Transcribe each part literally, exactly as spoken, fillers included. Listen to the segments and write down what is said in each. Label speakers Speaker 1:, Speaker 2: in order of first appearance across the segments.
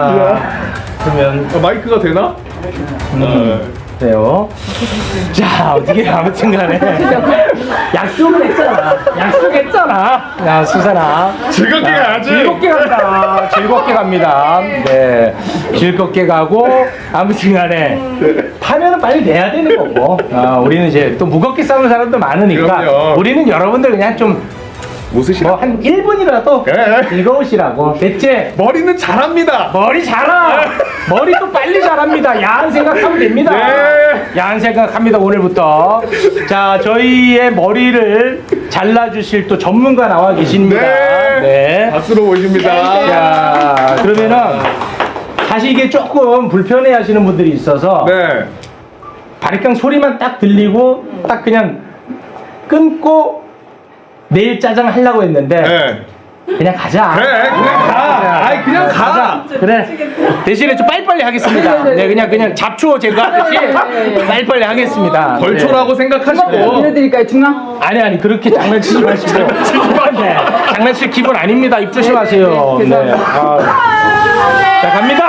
Speaker 1: 자, 그러면
Speaker 2: 아, 마이크가 되나?
Speaker 1: 음, 돼요. 자, 어떻게 아무튼 간에 약속을 했잖아. 약속했잖아. 야, 수산아.
Speaker 2: 즐겁게 가야지.
Speaker 1: 즐겁게 간다. 즐겁게 갑니다. 네. 즐겁게 가고, 아무튼 간에 파면은 빨리 내야 되는 거고. 아, 우리는 이제 또 무겁게 싸우는 사람도 많으니까.
Speaker 2: 그럼요.
Speaker 1: 우리는 여러분들 그냥 좀
Speaker 2: 웃으시라.
Speaker 1: 뭐 한 일 분이라도
Speaker 2: 그래.
Speaker 1: 즐거우시라고. 됐지?
Speaker 2: 머리는 잘합니다.
Speaker 1: 머리 잘하! 머리도 빨리 자랍니다. 야한 생각하면 됩니다.
Speaker 2: 네.
Speaker 1: 야한 생각합니다, 오늘부터. 자, 저희의 머리를 잘라주실 또 전문가 나와 계십니다.
Speaker 2: 네.
Speaker 1: 네.
Speaker 2: 박수로 모십니다.
Speaker 1: 자, 그러면은, 사실 이게 조금 불편해 하시는 분들이 있어서,
Speaker 2: 네.
Speaker 1: 바리깡 소리만 딱 들리고, 딱 그냥 끊고, 내일 짜장 하려고 했는데,
Speaker 2: 네.
Speaker 1: 그냥 가자.
Speaker 2: 그래, 그냥 가. 아이, 그냥 가.
Speaker 1: 그래. 대신에 좀 빨리빨리 하겠습니다. 네, 그냥 그냥 잡초 제거하듯이 빨리빨리 하겠습니다.
Speaker 2: 벌초라고
Speaker 1: 네.
Speaker 2: 생각하시고.
Speaker 3: 빌려드릴까요, 중앙?
Speaker 1: 아니 아니 그렇게 장난치지 마시고. 네, 장난칠 기분 아닙니다. 입 조심하세요.
Speaker 3: 네, 네,
Speaker 1: 네. 아. 자 갑니다.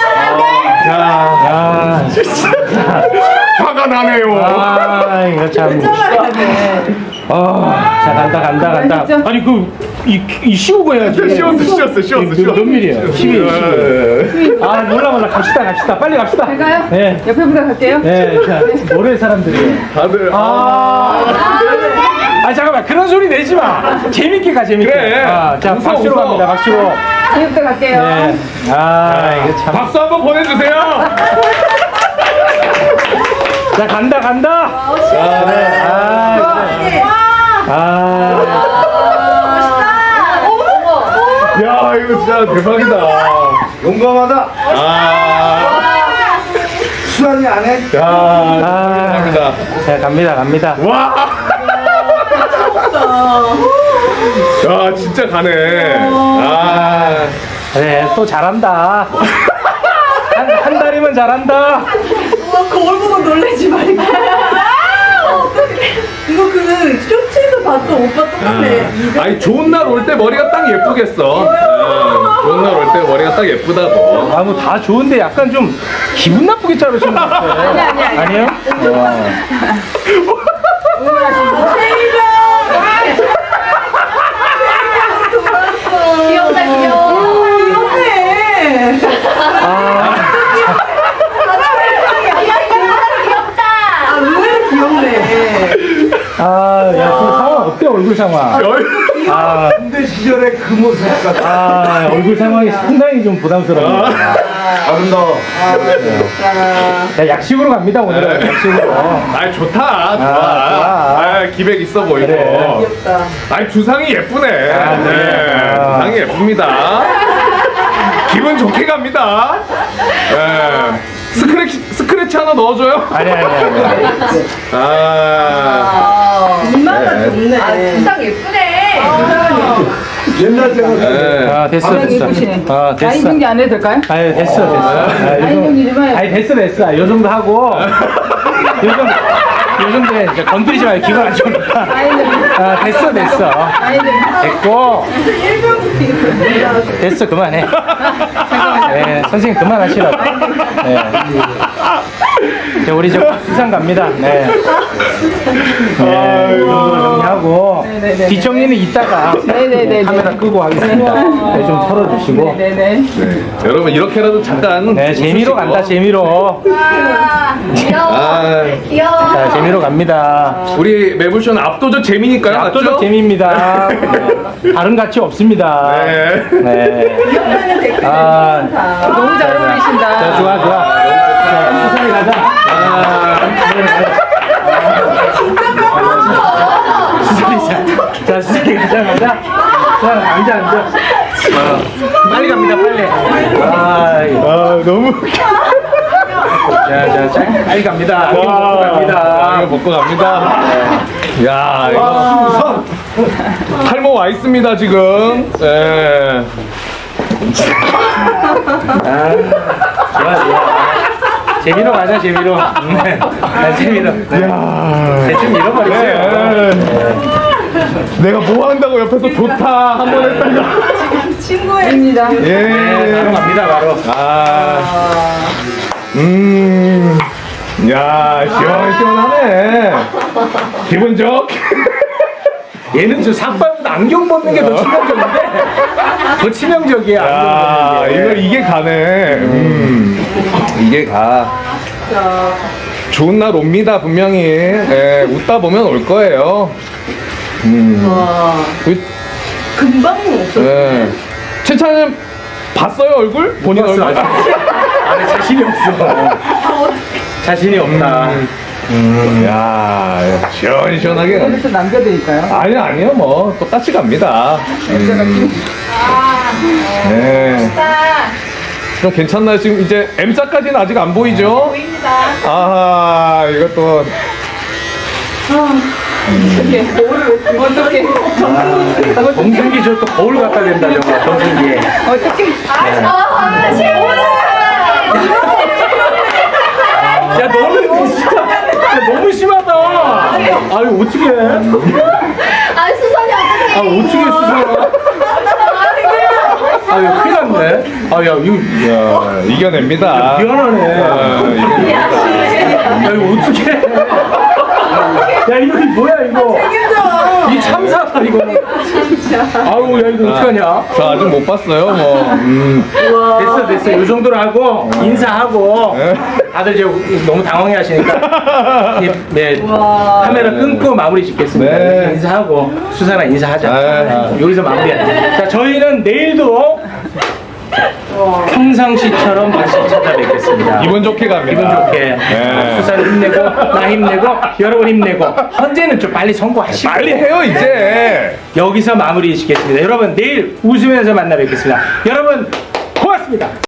Speaker 2: 야,
Speaker 1: 야,
Speaker 2: 화가 나네요.
Speaker 1: 아 이거 참. 어, 자 간다 간다 간다. 아니 그이 이 씌우고 해야지.
Speaker 2: 쉬었어, 쉬었어, 쉬었어,
Speaker 1: 몇,
Speaker 2: 쉬었어.
Speaker 1: 몇 밀이에요? 십이, 십이. 아 몰라 몰라 갑시다 갑시다 빨리 갑시다.
Speaker 3: 갈까요?
Speaker 1: 네.
Speaker 3: 옆에 분들 갈게요.
Speaker 1: 네, 자, 노래 사람들이에요.
Speaker 2: 다들.
Speaker 1: 아, 아 잠깐만 그런 소리 내지 마. 재밌게 가 재밌게.
Speaker 2: 그래.
Speaker 1: 아, 자
Speaker 2: 웃어,
Speaker 1: 박수로
Speaker 2: 웃어.
Speaker 1: 갑니다 박수로.
Speaker 3: 뒤부터 갈게요.
Speaker 1: 네. 아 이거 참.
Speaker 2: 박수 한번 보내주세요.
Speaker 1: 자 간다 간다. 그래. 아, 그래. 아.
Speaker 2: 야, 이거 진짜 대박이다.
Speaker 4: 용감하다.
Speaker 2: 아,
Speaker 4: 수환이 안 해?
Speaker 2: 야,
Speaker 1: 아.
Speaker 2: 대박이다.
Speaker 1: 자 갑니다 갑니다.
Speaker 2: 와. 야, 진짜 가네. 아,
Speaker 1: 그래 또 잘한다. 한, 한 달이면 잘한다.
Speaker 5: 거울 보고 놀라지 말고. 이거 그 쇼츠에서 봤던 오빠 똑같아.
Speaker 2: 아니 좋은 날 올 때 머리가 딱 예쁘겠어. 어, 좋은 날 올 때 머리가 딱 예쁘다고.
Speaker 1: 아 뭐 다 좋은데 약간 좀 기분 나쁘게 자르시는 것 같아요. 아니 아니 아니. 아니에요? 어.
Speaker 5: 귀엽다 귀여워. 귀엽네.
Speaker 1: 아.
Speaker 5: 귀엽다. 아 의외로 귀엽네.
Speaker 1: 아, 야, 그 상황 어때, 얼굴 상황? 아,
Speaker 4: 군대 시절의 그 모습 같아.
Speaker 1: 아, 얼굴 상황이 상당히 좀 부담스러워요.
Speaker 4: 아름다워.
Speaker 1: 자, 약식으로 갑니다, 오늘은. 약식으로.
Speaker 2: 아 좋다, 좋아.
Speaker 1: 좋아.
Speaker 2: 아, 기백 있어 보이고.
Speaker 1: 그래.
Speaker 5: 귀엽다.
Speaker 2: 아니 주상이 예쁘네.
Speaker 1: 아,
Speaker 2: 네,
Speaker 1: 그래. 아.
Speaker 2: 주상이 예쁩니다. 기분 좋게 갑니다. 네. 스크래치 스크래치 하나 넣어줘요.
Speaker 1: 아니, 아니, 아니. 아니.
Speaker 2: 아,
Speaker 5: 이마가
Speaker 2: 네.
Speaker 5: 좋네. 아 두상 예쁘네.
Speaker 4: 옛날 생각.
Speaker 2: 네.
Speaker 1: 아, 됐어,
Speaker 3: 아,
Speaker 1: 됐어.
Speaker 3: 예쁘시네.
Speaker 1: 아,
Speaker 3: 라인
Speaker 1: 됐어.
Speaker 3: 정리 안 해도 될까요?
Speaker 1: 아유, 됐어, 됐어. 아,
Speaker 3: 라인 정리 좀 해요.
Speaker 1: 아니, 됐어, 됐어. 요 정도 하고. 요즘, 요즘에 이제 건드리지 마요. 기분 안 좋으니까. 아, 됐어, 됐어. 됐고. 됐어, 그만해. 네, 선생님 그만하시라고. 네. 자, 우리 저 수상 갑니다. 네. 네, 이 정도로 정리하고.
Speaker 3: 네네네.
Speaker 1: 뒷정리는 이따가
Speaker 3: 네네네.
Speaker 1: 카메라 끄고 하겠습니다. 네, 좀 털어주시고.
Speaker 3: 네네.
Speaker 2: 네. 여러분 이렇게라도 잠깐.
Speaker 1: 네, 재미로
Speaker 2: 웃으시고.
Speaker 1: 간다, 재미로.
Speaker 5: 귀여워.
Speaker 2: 아,
Speaker 5: 귀여워.
Speaker 1: 자, 재미로 갑니다.
Speaker 2: 우리 매불쇼는 압도적 재미니까요.
Speaker 1: 압도적
Speaker 2: 맞죠?
Speaker 1: 재미입니다. 다른 가치 없습니다.
Speaker 2: 네.
Speaker 1: 네.
Speaker 5: 귀엽다는 댓글
Speaker 1: 아,
Speaker 5: 많다.
Speaker 3: 너무 잘
Speaker 1: 자,
Speaker 3: 어울리신다.
Speaker 1: 좋아, 좋아. 자, 수상이 가자.
Speaker 2: 아,
Speaker 1: 수상이 자, 자, 수상이 가자, 가자. 자, 앉아, 앉아. 어, 빨리 갑니다, 빨리. 아, 이거.
Speaker 2: 아 너무.
Speaker 1: 자, 자, 자, 빨리 갑니다. 이거 먹고 갑니다.
Speaker 2: 이거 먹고 갑니다. 야, 이거 탈모 와 있습니다 지금. 네.
Speaker 1: 아, 좋아, 좋아. 재미로 가자, 재미로. 네. 아, 재미로. 네. 대충 잃어버리세요.
Speaker 2: 네. 내가 뭐 한다고 옆에서 좋다 한 번 했다가.
Speaker 3: 친구입니다.
Speaker 2: 예.
Speaker 1: 바로 갑니다, 바로.
Speaker 2: 아. 음. 야, 시원시원하네. 기분 좋게.
Speaker 1: 얘는 저 삭발보다 안경 벗는 게 더 치명적인데? 더 치명적이야,
Speaker 2: 야,
Speaker 1: 안경 벗는
Speaker 2: 이거
Speaker 1: 게.
Speaker 2: 이게 가네. 음. 이게 가. 좋은 날 옵니다, 분명히. 예, 웃다 보면 올 거예요. 음.
Speaker 5: 와,
Speaker 2: 그,
Speaker 5: 금방 없어.
Speaker 2: 예. 최찬님 봤어요, 얼굴? 본인
Speaker 1: 봤어,
Speaker 2: 얼굴?
Speaker 1: 아직. 아니, 자신이 없어. 자신이 없다.
Speaker 2: 음, 야, 시원시원하게. 가네.
Speaker 3: 여기서 남겨드릴까요?
Speaker 2: 아니, 아니요, 뭐, 똑같이 갑니다. 음. 네. 좀 괜찮나요? 지금 이제 M자까지는 아직 안 보이죠?
Speaker 5: 보입니다.
Speaker 2: 아하, 이것도.
Speaker 3: 어떻게?
Speaker 1: 동생기 저 또 거울 갖다 댄다, 저거, 동생기에.
Speaker 3: 어떻게?
Speaker 5: 아, 시원하다.
Speaker 1: 야, 너는 진짜 야, 너무 심하다. 아유, 어떻게 해?
Speaker 5: 아, 수선이 어떡해.
Speaker 1: 아, 어떻게 수선아? 아, 야, 큰일 났네. 아, 야, 이거,
Speaker 2: 야, 이겨냅니다.
Speaker 1: 미안하네.
Speaker 2: 아, 이겨냅니다.
Speaker 1: 야, 이거 어떻게 해? 야, 이거 뭐야, 이거. 이 참사다, 이거. 아우, 야, 이거 어떡하냐?
Speaker 2: 저 아직 못 봤어요, 뭐. 음.
Speaker 1: 됐어, 됐어. 이 정도로 하고, 인사하고.
Speaker 2: 네.
Speaker 1: 다들 이제 너무 당황해 하시니까. 예, 네. 카메라 끊고 마무리 짓겠습니다.
Speaker 2: 네.
Speaker 1: 인사하고, 수사나 인사하자.
Speaker 2: 네.
Speaker 1: 아, 여기서 마무리하자. 자, 저희는 내일도 평상시처럼 다시 찾아뵙겠습니다.
Speaker 2: 기분 좋게 갑니다.
Speaker 1: 기분 좋게.
Speaker 2: 네.
Speaker 1: 수사는 힘내고, 나 힘내고, 여러분 힘내고. 현재는 좀 빨리 선고하시고.
Speaker 2: 빨리 해요, 이제.
Speaker 1: 여기서 마무리 짓겠습니다. 여러분, 내일 웃으면서 만나 뵙겠습니다. 여러분, 고맙습니다.